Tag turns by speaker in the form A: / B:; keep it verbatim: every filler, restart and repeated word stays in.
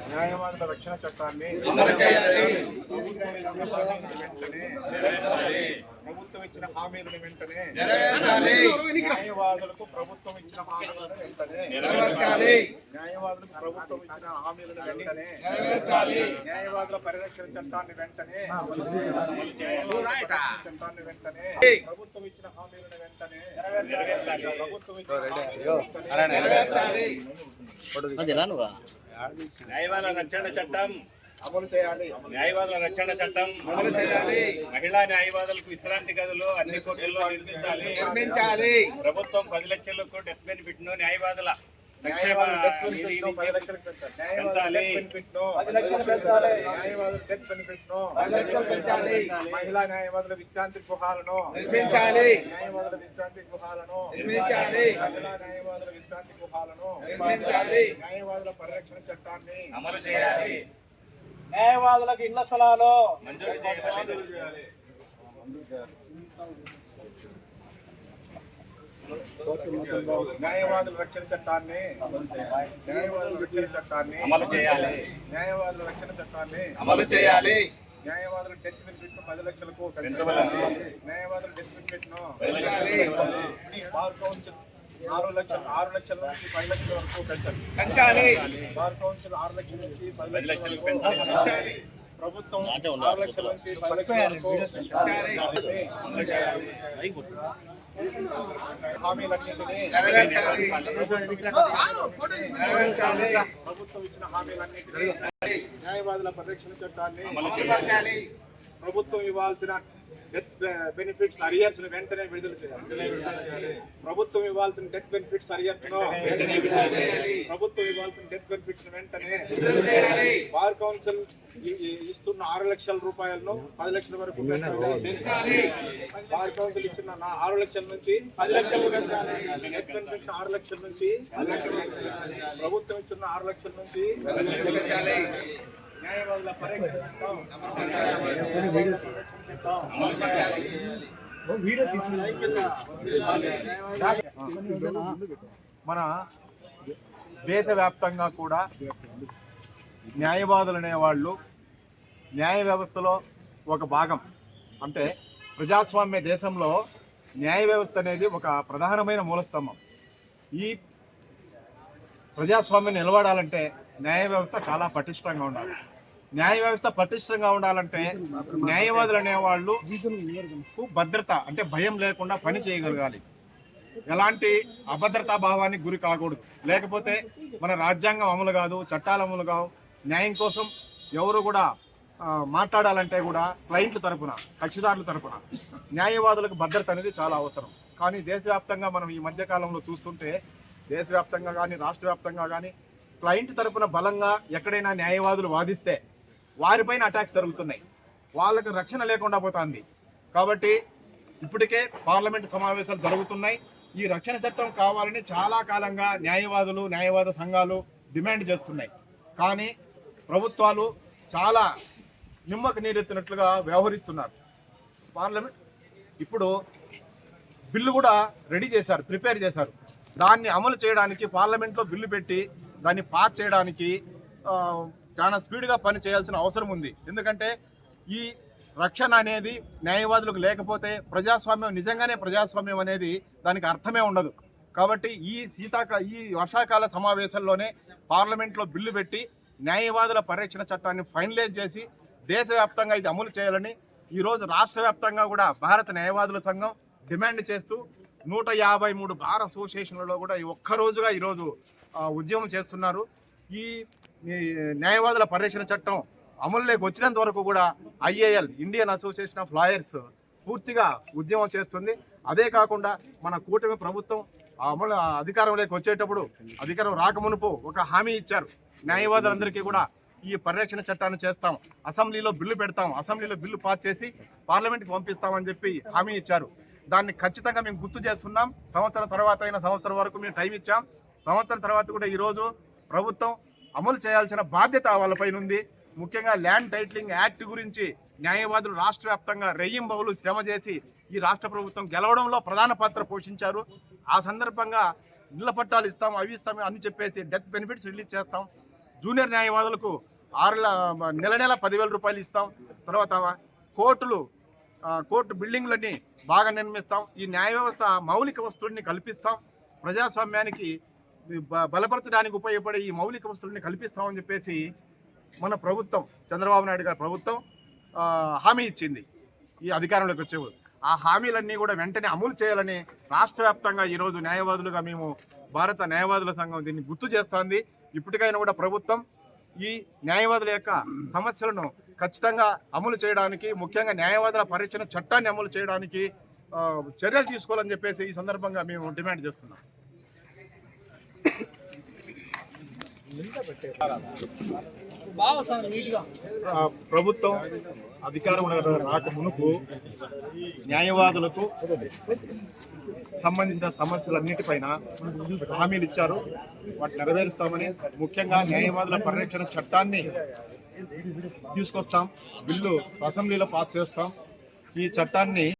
A: న్యాయవాదుల రక్షణ చట్టాన్ని ప్రభుత్వం ఇచ్చిన హామీలను వెంటనే న్యాయవాదులకు ప్రభుత్వం ఇచ్చిన హామీలను వెంటనే న్యాయవాదులకు ప్రభుత్వం ఇచ్చిన హామీలను వెంటనే న్యాయవాదుల పరిరక్షణ చట్టాన్ని వెంటనే చట్టాన్ని వెంటనే ప్రభుత్వం ఇచ్చిన హామీలను వెంటనే ప్రభుత్వం
B: న్యాయవాదుల రక్షణ చట్టం
A: అమలు చేయాలి.
B: న్యాయవాదుల రక్షణ చట్టం
A: అమలు చేయాలి.
B: మహిళా న్యాయవాదులకు విశ్రాంతి గదులు అన్ని కోర్టుల్లో నిర్మించాలి
A: నిర్మించాలి.
B: ప్రభుత్వం పది లక్షలకు డెత్ బెనిఫిట్ ను న్యాయవాదుల సంక్షేమ
A: మహిళా న్యాయవాదుల విశ్రాంతి గృహాలను
C: నిర్మించాలి.
A: న్యాయవాదుల విశ్రాంతి గృహాలను
C: నిర్మించాలి.
A: మహిళా న్యాయవాదుల విశ్రాంతి గృహాలను
C: నిర్మించాలి.
A: న్యాయవాదుల పరిరక్షణ చట్టాన్ని
B: అమలు చేయాలి.
C: న్యాయవాదులకు ఇళ్ల స్థలాలు
B: మంజూరు చేయాలి.
A: న్యాయవాదుల రక్షణ చట్టాన్ని న్యాయవాదుల రక్షణ చట్టాన్ని
B: అమలు చేయాలి.
A: న్యాయవాదుల రక్షణ చట్టాన్ని
B: అమలు చేయాలి.
A: న్యాయవాదుల డెత్ బెనిఫిట్ ను పది లక్షలకు
B: పెంచవలెను.
A: న్యాయవాదుల డెత్ బెనిఫిట్ ను
B: పెంచాలి.
A: బార్ కౌన్సిల్ ఆరు లక్షల ఆరు లక్షల నుంచి పది లక్షల వరకు పెంచాలి.
C: పెంచాలి.
A: బార్ కౌన్సిల్ ఆరు లక్షల నుంచి పది
B: పది
A: లక్షల
B: లక్షలకు
A: వరకు
B: పెంచాలి.
A: పెంచాలి. ప్రభుత్వం ఆరు లక్షల నుంచి పది లక్షల వరకు పెంచాలి. హామీలన్నింటినీ
C: నెరవేర్చాలి.
A: ప్రభుత్వం ఇచ్చిన హామీలన్నింటినీ న్యాయవాదుల పరిరక్షణ చట్టాన్ని
B: అమలు చేయాలి.
A: ప్రభుత్వం ఇవ్వాల్సిన డెత్ బెనిఫిట్స్ అరియర్స్ వెంటనే విడుదల చేయాలి. ప్రభుత్వం ఇవ్వాల్సిన డెత్ బెనిఫిట్స్ అరియర్స్ ప్రభుత్వం ఇవ్వాల్సిన డెత్ బెనిఫిట్స్ వెంటనే బార్ కౌన్సిల్ ఇస్తున్న ఆరు లక్షల రూపాయలను పది లక్షల వరకు పెంచాలి. బార్ కౌన్సిల్ ఇస్తున్న ఆరు లక్షల నుంచి పది లక్షలు పెంచాలి. డెత్ బెనిఫిట్స్ ఆరు లక్షల నుంచి ప్రభుత్వం ఇస్తున్న ఆరు లక్షల నుంచి న్యాయవాదుల పరిరక్షణ చట్టం మన దేశవ్యాప్తంగా కూడా న్యాయవాదులు అనేవాళ్ళు న్యాయ వ్యవస్థలో ఒక భాగం. అంటే ప్రజాస్వామ్య దేశంలో న్యాయ వ్యవస్థ అనేది ఒక ప్రధానమైన మూలస్తంభం. ఈ ప్రజాస్వామ్యం నిలబడాలంటే న్యాయ వ్యవస్థ చాలా పటిష్టంగా ఉండాలి. న్యాయ వ్యవస్థ పటిష్టంగా ఉండాలంటే న్యాయవాదులు అనేవాళ్ళు భద్రత అంటే భయం లేకుండా పని చేయగలగాలి. ఎలాంటి అభద్రతా భావానికి గురి కాకూడదు. లేకపోతే మన రాజ్యాంగం అమలు కాదు, చట్టాలు అమలు కావు. న్యాయం కోసం ఎవరు కూడా మాట్లాడాలంటే కూడా క్లయింట్ల తరపున, కక్షిదారుల తరపున న్యాయవాదులకు భద్రత అనేది చాలా అవసరం. కానీ దేశవ్యాప్తంగా మనం ఈ మధ్యకాలంలో చూస్తుంటే దేశవ్యాప్తంగా కానీ రాష్ట్ర వ్యాప్తంగా కానీ క్లయింట్ తరపున బలంగా ఎక్కడైనా న్యాయవాదులు వాదిస్తే వారిపైన అటాక్స్ జరుగుతున్నాయి. వాళ్ళకు రక్షణ లేకుండా పోతుంది. కాబట్టి ఇప్పటికే పార్లమెంట్ సమావేశాలు జరుగుతున్నాయి. ఈ రక్షణ చట్టం కావాలని చాలా కాలంగా న్యాయవాదులు, న్యాయవాద సంఘాలు డిమాండ్ చేస్తున్నాయి. కానీ ప్రభుత్వాలు చాలా నిమ్మకు నీరెత్తినట్లుగా వ్యవహరిస్తున్నారు. పార్లమెంట్ ఇప్పుడు బిల్లు కూడా రెడీ చేశారు, ప్రిపేర్ చేశారు. దాన్ని అమలు చేయడానికి పార్లమెంట్లో బిల్లు పెట్టి దాన్ని పాస్ చేయడానికి చాలా స్పీడ్గా పని చేయాల్సిన అవసరం ఉంది. ఎందుకంటే ఈ రక్షణ అనేది న్యాయవాదులకు లేకపోతే ప్రజాస్వామ్యం నిజంగానే ప్రజాస్వామ్యం అనేది దానికి అర్థమే ఉండదు. కాబట్టి ఈ శీతాకా ఈ వర్షాకాల సమావేశంలోనే పార్లమెంట్లో బిల్లు పెట్టి న్యాయవాదుల పరిరక్షణ చట్టాన్ని ఫైనలైజ్ చేసి దేశవ్యాప్తంగా ఇది అమలు చేయాలని ఈరోజు రాష్ట్ర వ్యాప్తంగా కూడా భారత న్యాయవాదుల సంఘం డిమాండ్ చేస్తూ నూట యాభై మూడు బార్ అసోసియేషన్లలో కూడా ఈ ఒక్కరోజుగా ఈరోజు ఉద్యమం చేస్తున్నారు. ఈ న్యాయవాదుల పరిరక్షణ చట్టం అమలులోకి వచ్చినంత వరకు కూడా IAL Indian Association of Lawyers పూర్తిగా ఉద్యమం చేస్తుంది. అదే కాకుండా మన కూటమి ప్రభుత్వం అమలు అధికారంలోకి వచ్చేటప్పుడు అధికారం రాకమునుపు ఒక హామీ ఇచ్చారు. న్యాయవాదులందరికీ కూడా ఈ పరిరక్షణ చట్టాన్ని చేస్తాం, అసెంబ్లీలో బిల్లు పెడతాం, అసెంబ్లీలో బిల్లు పాస్ చేసి పార్లమెంట్కి పంపిస్తామని చెప్పి హామీ ఇచ్చారు. దాన్ని ఖచ్చితంగా మేము గుర్తు చేస్తున్నాం. సంవత్సరం తర్వాత అయినా సంవత్సరం వరకు మేము టైం ఇచ్చాం. సంవత్సరం తర్వాత కూడా ఈరోజు ప్రభుత్వం అమలు చేయాల్సిన బాధ్యత వాళ్ళపైన ఉంది. ముఖ్యంగా ల్యాండ్ టైటిలింగ్ యాక్ట్ గురించి న్యాయవాదులు రాష్ట్ర వ్యాప్తంగా రెయ్యింబవులు శ్రమ చేసి ఈ రాష్ట్ర ప్రభుత్వం గెలవడంలో ప్రధాన పాత్ర పోషించారు. ఆ సందర్భంగా ఇళ్ల పట్టాలు ఇస్తాం, అవి ఇస్తాం అని చెప్పేసి డెత్ బెనిఫిట్స్ రిలీజ్ చేస్తాం. జూనియర్ న్యాయవాదులకు ఆరు ల- నెల నెల పదివేల రూపాయలు ఇస్తాం. తర్వాత కోర్టులు ఆ, కోర్టు బిల్డింగ్లన్నీ బాగా నిర్మిస్తాం. ఈ న్యాయ వ్యవస్థ మౌలిక వస్తువుల్ని కల్పిస్తాం. ప్రజాస్వామ్యానికి బ- బలపరచడానికి ఉపయోగపడే ఈ మౌలిక వస్తువుల్ని కల్పిస్తామని చెప్పేసి మన ప్రభుత్వం, చంద్రబాబు నాయుడు గారి ప్రభుత్వం ఆ, హామీ ఇచ్చింది ఈ అధికారంలోకి వచ్చే. ఆ హామీలన్నీ కూడా వెంటనే అమలు చేయాలని రాష్ట్ర వ్యాప్తంగా ఈరోజు న్యాయవాదులుగా మేము భారత న్యాయవాదుల సంఘం దీన్ని గుర్తు చేస్తోంది. ఇప్పటికైనా కూడా ప్రభుత్వం ఈ న్యాయవాదుల యొక్క సమస్యలను ఖచ్చితంగా అమలు చేయడానికి, ముఖ్యంగా న్యాయవాదుల పరిరక్షణ చట్టాన్ని అమలు చేయడానికి ఆ, చర్యలు తీసుకోవాలని చెప్పేసి ఈ సందర్భంగా మేము డిమాండ్ చేస్తున్నాం. ఆ, ప్రభుత్వం అధికారంలో రాక మునుపు న్యాయవాదులకు సంబంధించిన సమస్యలన్నిటిపైన హామీలు ఇచ్చారు. వాటిని నెరవేరుస్తామని, ముఖ్యంగా న్యాయవాదుల పరిరక్షణ చట్టాన్ని తీసుకొస్తాం, బిల్లు అసెంబ్లీలో పాస్ చేస్తాం. ఈ చట్టాన్ని